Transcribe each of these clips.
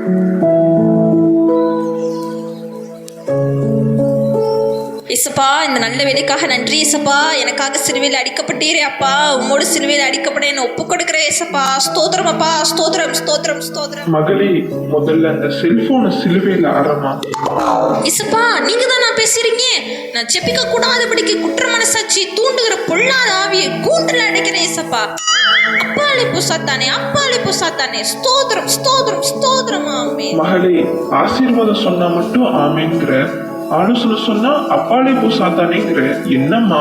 இசப்பா, இந்த நல்ல வேலைக்காக நன்றி இசப்பா. எனக்காக சிலுவையில் அடிக்கப்பட்டீரே அப்பா. உம்மோடு சிலுவையில் அடிக்கப்பட என்ன ஒப்பு கொடுக்கிறேன் இசப்பா. ஸ்தோத்திரம் அப்பா, ஸ்தோத்திரம் ஸ்தோத்திரம் ஸ்தோத்திரம். மகளே, முதல்ல அந்த செல்போனை சிலுவையில் ஆரமா. இசப்பா, நீங்க தான் நான் பேசுறீங்க. நான் ஜெபிக்க கூடாதபடிக்கு குற்ற மனசாட்சி தூண்டுகிற பொல்லாத ஆவியை கூண்டில் அடைக்கிறேன் இசப்பா. அப்பாலே புசாத்தானே, அப்பாலே புசாத்தானே. ஸ்தோத்திரம் ஸ்தோத்திரம் ஸ்தோத்திரம். ஆமென். மகளே, ஆசீர்வாதம் சொன்னா மட்டும் ஆமேங்கிற, ஆலோசனை சொன்னா அப்பாலே போ சாத்தானேங்கிற, என்னம்மா?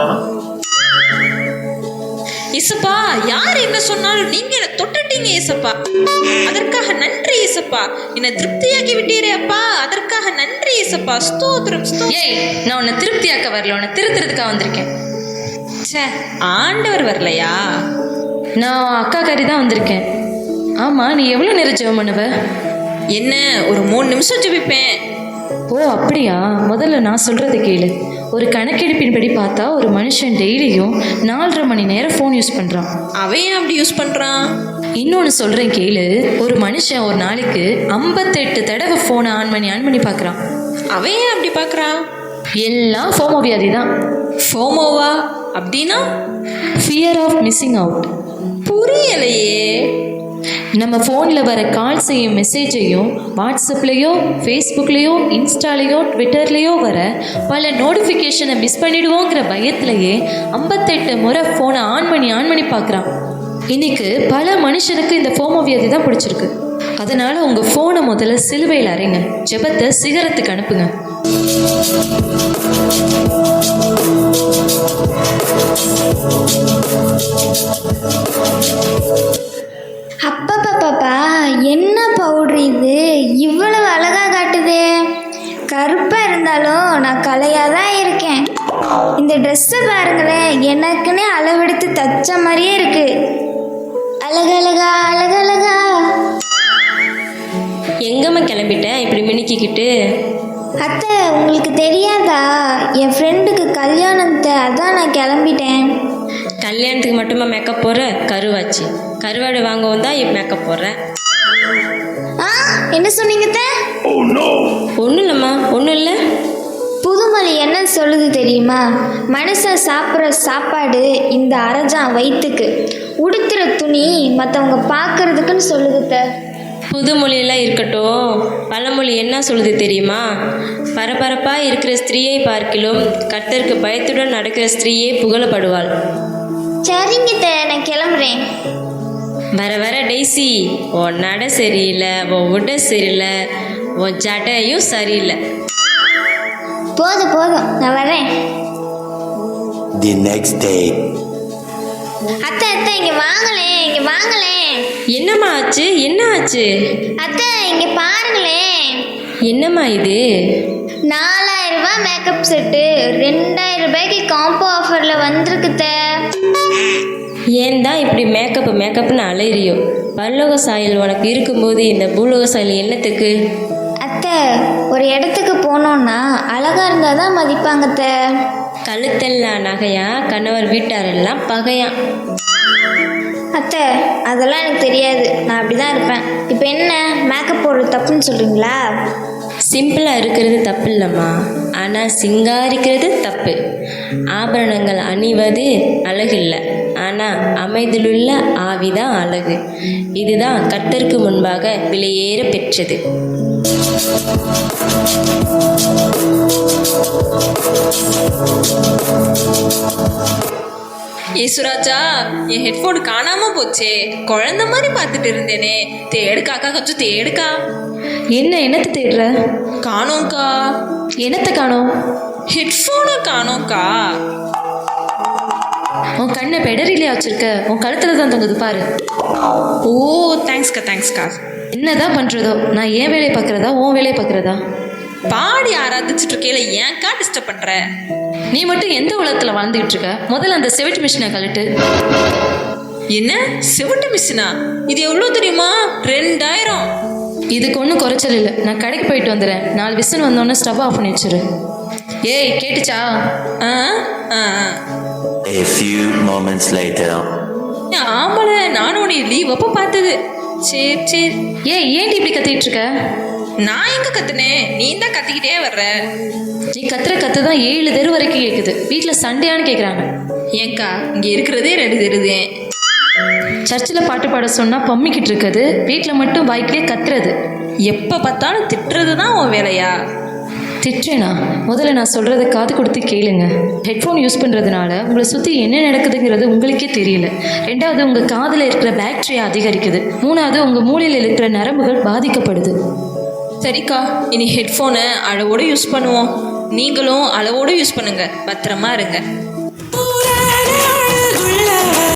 இசப்பா, யார் என்ன சொன்னாலும் நீங்க என்ன தொட்டுட்டீங்க இசப்பா. அதற்காக நன்றி இசப்பா. என்ன திருப்தியாக்கி விட்டீரே அப்பா. அதற்காக நன்றி இசப்பா. ஸ்தோத்திரம் ஸ்தோத்திரம். ஏய், நான் உன்னை திருப்தியாக்க வரல, உன்னை திருத்துறதுக்காக வந்திருக்கேன். ச்சே, ஆண்டவர் வரலையா? நான் அக்கா கறி தான் வந்திருக்கேன். ஆமாம், நீ எவ்வளோ நேரம் ஜெபம் பண்ணுவ? என்ன, ஒரு 3 நிமிஷம் ஜெபிப்பேன். ஓ அப்படியா? முதல்ல நான் சொல்கிறத கேளு. ஒரு கணக்கெடுப்பின்படி பார்த்தா ஒரு மனுஷன் டெய்லியும் 4.5 மணி நேரம் ஃபோன் யூஸ் பண்ணுறான். அவன் ஏன் அப்படி யூஸ் பண்ணுறான்? இன்னொன்று சொல்கிறேன் கேளு. ஒரு மனுஷன் ஒரு நாளைக்கு 58 தடவை ஃபோனை ஆன் பண்ணி பார்க்குறான். அவன் ஏன் அப்படி பார்க்குறான்? எல்லாம் ஃபோமோ வியாதி தான். ஃபோமோவா அப்படின்னா? Fear of missing out. புரியலையே. நம்ம ஃபோனில் வர கால்ஸையும் மெசேஜையும் வாட்ஸ்அப்லேயோ ஃபேஸ்புக்லேயோ இன்ஸ்டாலேயோ ட்விட்டர்லேயோ வர பல நோட்டிஃபிகேஷனை மிஸ் பண்ணிடுவோங்கிற பயத்திலேயே 58 முறை ஃபோனை ஆன் பண்ணி பார்க்குறான். இன்னைக்கு பல மனுஷனுக்கு இந்த ஃபோமோ வியாதி தான் பிடிச்சிருக்கு. அதனால் உங்கள் ஃபோனை முதல்ல சிலுவையில் அறைங்க. ஜெபத்தை சிகரத்துக்கு அனுப்புங்க. அப்பப்பப்பா, என்ன பவுட்ரு இது, இவ்வளவு அழகாக காட்டுதே. கருப்பாக இருந்தாலும் நான் கலையாக தான் இருக்கேன். இந்த ட்ரெஸ்ஸை பாருங்களேன், எனக்குன்னே அளவெடுத்து தச்ச மாதிரியே இருக்கு. அழகழகா அழகழகா. எங்கம்மா கிளம்பிட்டேன் இப்படி மினிக்கிக்கிட்டு? அத்தை, உங்களுக்கு தெரியாதா? என் ஃப்ரெண்டுக்கு கல்யாணத்தை, அதான் நான் கிளம்பிட்டேன். கல்யாணத்துக்கு மட்டுமா மேக்கப் போடுற? கருவாச்சு. கருவாடு வாங்கவும் தான் இப்போ மேக்கப் போடுறேன். என்ன சொன்னீங்க? ஒன்றும் இல்லைம்மா, ஒன்றும் இல்லை. புதுமொழி என்ன சொல்லுது தெரியுமா? மனுஷன் சாப்பிட்ற சாப்பாடு இந்த அரஜான் வயிற்றுக்கு, உடுத்துற துணி மற்றவங்க பார்க்கறதுக்குன்னு சொல்லுதுத்த. புதுமொழியெல்லாம் இருக்கட்டும், பழமொழி என்ன சொல்லுது தெரியுமா? பரபரப்பாக இருக்கிற ஸ்திரீயை பார்க்கிலும் கர்த்தருக்கு பயத்துடன் நடக்கிற ஸ்திரீயே புகழப்படுவாள். சரிங்க, நான் கிளம்புறேன். வர வர டெய்ஸி, உன் நட சரியில்லை, உன் உடை சரியில்லை, உன் ஜடையும் சரியில்லை. போதும் நான் வரேன். The next day. அத்தை, இங்க வாங்களேன். என்னம்மா ஆச்சு? என்ன ஆச்சு? அத்தை, இங்க பாருங்களேன். என்னம்மா இது? 4000 ரூபாய் மேக்கப் செட்டு 2000 ரூபாய்க்கு காம்போ ஆஃபரில் வந்திருக்குத்த. ஏன் தான் இப்படி மேக்கப்னு அலையிறியோ? பல்லோக சாயல் உனக்கு இருக்கும்போது இந்த பூலோக சாயல் என்னத்துக்கு? அத்தை, ஒரு இடத்துக்கு போனோன்னா அழகா இருந்தால் தான் மதிப்பாங்கத்த. கழுத்தெல்லாம் நகையா, கணவர் வீட்டாரெல்லாம் பகையா. அத்தை, அதெல்லாம் எனக்கு தெரியாது, நான் அப்படி தான் இருப்பேன். இப்போ என்ன, மேக்கப் போடுறது தப்புன்னு சொல்கிறீங்களா? சிம்பிளாக இருக்கிறது தப்பு இல்லைம்மா, ஆனால் சிங்காரிக்கிறது தப்பு. ஆபரணங்கள் அணிவது அழகில்லை, ஆனால் அமைதிலுள்ள ஆவிதான் அழகு. இதுதான் கர்த்தருக்கு முன்பாக விலையேற பெற்றது. ஏசுராஜா, என் ஹெட்ஃபோன் காணாம போச்சே. குழந்தை மாதிரி பார்த்துட்டு இருந்தேனே. தேடுக்காக்கா, கொஞ்சம் தேடுக்கா. என்னத்தை தேடுற? காணோம்க்கா. என்னத்தை காணோம்? ஹெட்ஃபோனை காணோம்க்கா. உன் கண்ணை பெடரிலையா வச்சிருக்க? உன் கழுத்துல தான் தொங்குது பாரு. ஓ, தேங்க்ஸ்க்கா. என்னதான் பண்ணுறதோ, நான் ஏன் வேலையை பார்க்குறதா உன் வேலையை பார்க்குறதா? பாடி ஆராதிச்சுட்டு இருக்கையில ஏன்க்கா டிஸ்டர்ப் பண்ற? நீ மட்டும் எந்த உலகத்தில் வாழ்ந்துகிட்டு இருக்க? முதல்ல அந்த செவிட்டு மிஷினை கழட்டு. என்ன செவிட்டு மிஷினா? இது எவ்வளோ தெரியுமா? 2000. இதுக்கு ஒன்றும் குறைச்சல் இல்லை. நான் கடைக்கு போயிட்டு வந்துடுறேன். 4 விசில் வந்தோடனே ஸ்டவ் ஆஃப் பண்ணி வச்சிரு. ஏய், கேட்டுச்சா? A few moments later. ஆமால, நானும் உன்னை லீவ் அப்போ பார்த்தது. சரி சரி. ஏன்டி இப்படி கத்திட்டு இருக்க? நான் எங்க கத்துனேன், நீ தான் கத்திக்கிட்டே வர்ற. நீ கத்து தான் 7 தெரு வரைக்கும் கேட்குது. வீட்டில் சண்டையான்னு கேட்குறாங்க. ஏங்கா இங்க இருக்கிறதே 2 தெருதேன். சர்ச்சில் பாட்டு பாட சொன்னால் பம்மிக்கிட்டு இருக்குது, வீட்டில் மட்டும் வாய்க்கிலே கத்துறது. எப்போ பார்த்தாலும் திட்டுறது தான் உன் வேலையா? திட்டுறேனா? முதல்ல நான் சொல்கிறத காது கொடுத்து கேளுங்க. ஹெட்ஃபோன் யூஸ் பண்ணுறதுனால உங்களை சுற்றி என்ன நடக்குதுங்கிறது உங்களுக்கே தெரியல. 2வது, உங்கள் காதில் இருக்கிற பேக்டீரியா அதிகரிக்குது. 3வது, உங்கள் மூளையில் இருக்கிற நரம்புகள் பாதிக்கப்படுது. சரிக்கா, இனி ஹெட்ஃபோனை அளவோடு யூஸ் பண்ணுவோம். நீங்களும் அளவோடு யூஸ் பண்ணுங்க. பத்திரமா இருங்க.